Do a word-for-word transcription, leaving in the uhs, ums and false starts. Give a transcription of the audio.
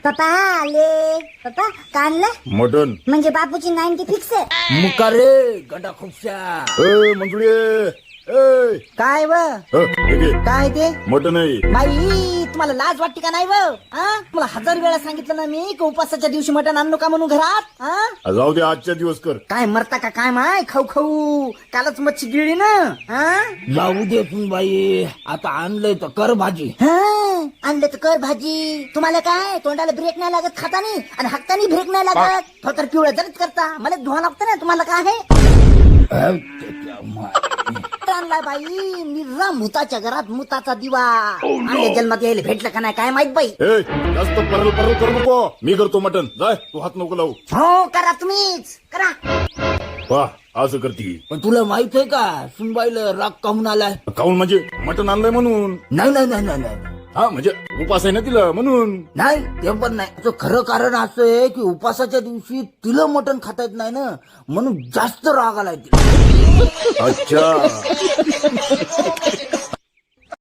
पप्पा आले. पप्पा का आणलं? मटन. म्हणजे बापूची नाईन्टी फिक्स आहे. मुका रे गंडा खुपशा. ए मंजुळे ए काय व अ, हे घे. काय ते मटन आहे. बाई तुम्हाला लाज वाटते का नाही व हा? तुम्हाला हजार वेळा सांगितलं ना मी की उपासाच्या दिवशी मटण आणू का म्हणून घरात हा? आ, जाऊ दे आजच्या दिवस कर. काय मरता का काय माय खाऊ खाऊ कालच मच्छी गिळली ना हा? जाऊ दे तू बाई, आता आणलंय तर कर भाजी. हा, आणलं तर कर भाजी. तुम्हाला काय तोंडाला ब्रेक नाही लागत खातानी आणि हातानी ब्रेक नाही लागत. थोडं पिवळं जरीच करता मला धुवा लागतं ना. तुम्हाला काय आहे आणलाय बाई निर्रा मुताच्या घरात मुताचा दिवा. आणले जन्मात यायला भेटलं का नाही काय माहित बाई. ए जास्त परल परल करू नको. मी करतो मटन. जाय तू हात नको लावू. हो करा तुम्हीच करा. वाह असं करती. पण तुला माहित आहे का सुनबाईला राग काहून आलाय? काऊन म्हणजे मटन आणलंय म्हणून. नाही नाही नाही नाही नाही हा म्हणजे उपास आहे ना तिला म्हणून. नाही ते पण नाही. त्याचं खरं कारण असं आहे की उपासाच्या दिवशी तिला मटण खाता येत नाही ना, म्हणून जास्त राग आलाय तिला. अच्छा